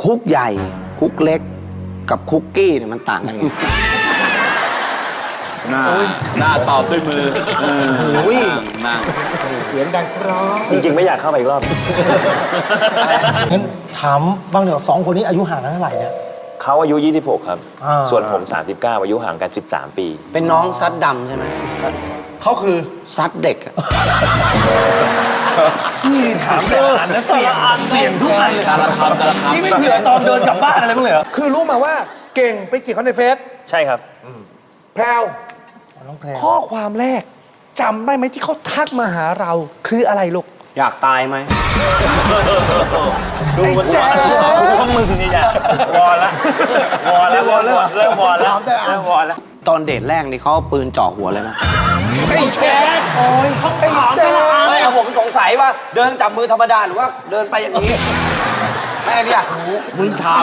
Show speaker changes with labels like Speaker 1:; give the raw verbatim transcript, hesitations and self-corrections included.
Speaker 1: คุกใหญ่คุกเล็กกับคุกกี้เนี่ยมันต่างกันไง
Speaker 2: หน้าหน้าตอบด้วยมืออุ้ยนั่ง
Speaker 3: เสียงดังครอ
Speaker 4: จริงๆไม่อยากเข้าไปอีกรอบ
Speaker 3: งั้นถามบ้างเดี๋ยวสองคนนี้อายุห่างกันเท่าไหร่เนี่ย
Speaker 4: เขาอายุยี่สิบหกครับ
Speaker 3: อ่า
Speaker 4: ส่วนผมสามสิบเก้าอายุห่างกันสิบสามปี
Speaker 1: เป็นน้องซัดดำใช่ไหม
Speaker 3: เขาคือ
Speaker 1: ซัดเด็กอะ
Speaker 3: พี่ถามแต่ละอันนะเสียงเสียงทุกอันเลย
Speaker 2: แต่ละคำแต่ละคำ
Speaker 3: นี่ไม่เผื่อตอนเดินกลับบ้านอะไรบ้างเลยเหรอคือรู้มาว่าเก่งไปจีบเขาในเฟซ
Speaker 4: ใช่ครับ
Speaker 3: แพรวข้อความแรกจำได้ไหมที่เขาทักมาหาเราคืออะไรลูก
Speaker 1: อยากตายไหม
Speaker 4: ดูมันวอนพวกมึงนี่จ้ะวอนละวอนแล้ววอนแล้วเริ่มวอนแล้วเริ่มวอนแล้ว
Speaker 1: ตอนเดทแรกนี่เขาเอาปืนจ่อหัวเลยนะ
Speaker 3: ไอ้แจ๊คโอ้ยไอ้แจ๊ค
Speaker 1: ไม่เอาผมสงสัยว่าเดินจับมือธรรมดาหรือว่าเดินไปอย่างนี้ไม่เนี่ย
Speaker 2: มึงถาม